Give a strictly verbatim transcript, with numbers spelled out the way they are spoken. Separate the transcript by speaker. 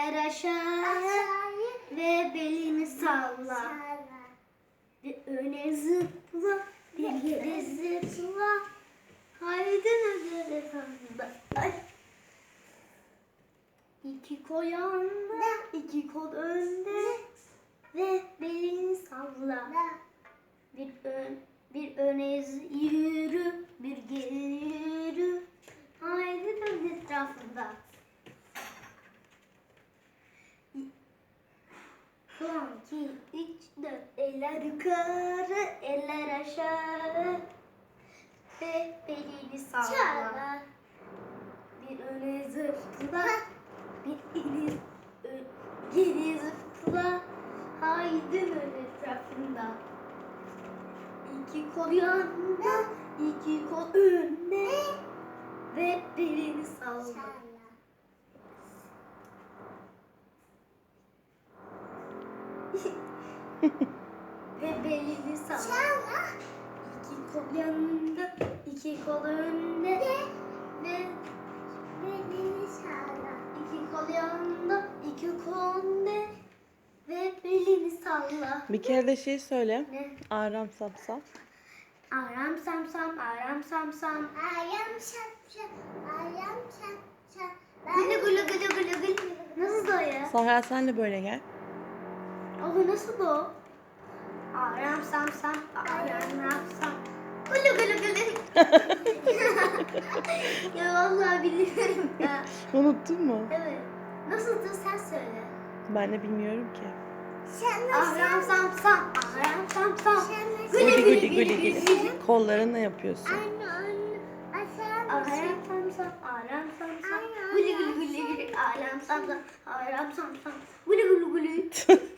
Speaker 1: eller aşağı ve belini salla. Bir öne zıpla, bir geri zıpla. Haydi öyle salla. Ay. İki kol yanda, iki kol önde ve belini salla. Bir ön, bir öne yürü, bir geri yürü. Haydi dön etrafında. Son, iki, üç, dört. Eller yukarı, eller aşağı ve belini salla. Bir öne zıpla, bir ileri, ö- geri zıpla. Haydi dön etrafında. İki kol yanda, iki kol önde ve belini salla. Ve belini salla. İki kol yanında, iki kol önde ve belini salla. İki kol yanında, iki kol önde ve belini salla.
Speaker 2: Bir kere de şey söyle.
Speaker 1: Ne?
Speaker 2: Aram sapsap.
Speaker 1: Aram sam sam, aram sam sam.
Speaker 3: Ayağım şap şap, ayağım şap şap.
Speaker 1: Gülü gülü gülü gülü gülü. Nasıl o ya?
Speaker 2: Sahra sen de böyle gel.
Speaker 1: Abi nasıl bu? Aram sam sam, aram sam. Gülü gülü gülü. Ya vallahi bilmiyorum ya.
Speaker 2: Unuttun mu?
Speaker 1: Evet. Nasıldı sen söyle.
Speaker 2: Ben de bilmiyorum ki.
Speaker 3: Sen
Speaker 1: Aram sam sam, aram sam sam.
Speaker 2: Guli
Speaker 1: Gülü
Speaker 2: guli
Speaker 1: gülü
Speaker 2: guli
Speaker 1: gülü
Speaker 2: guli.
Speaker 1: gülü.
Speaker 2: Kollarınla yapıyorsun.
Speaker 3: Anne anne. Aşağı
Speaker 1: Aram sam sam, aram sam sam. Gülü gülü gülü gülü. Aram sam sam, aram sam sam. Gülü gülü gülü.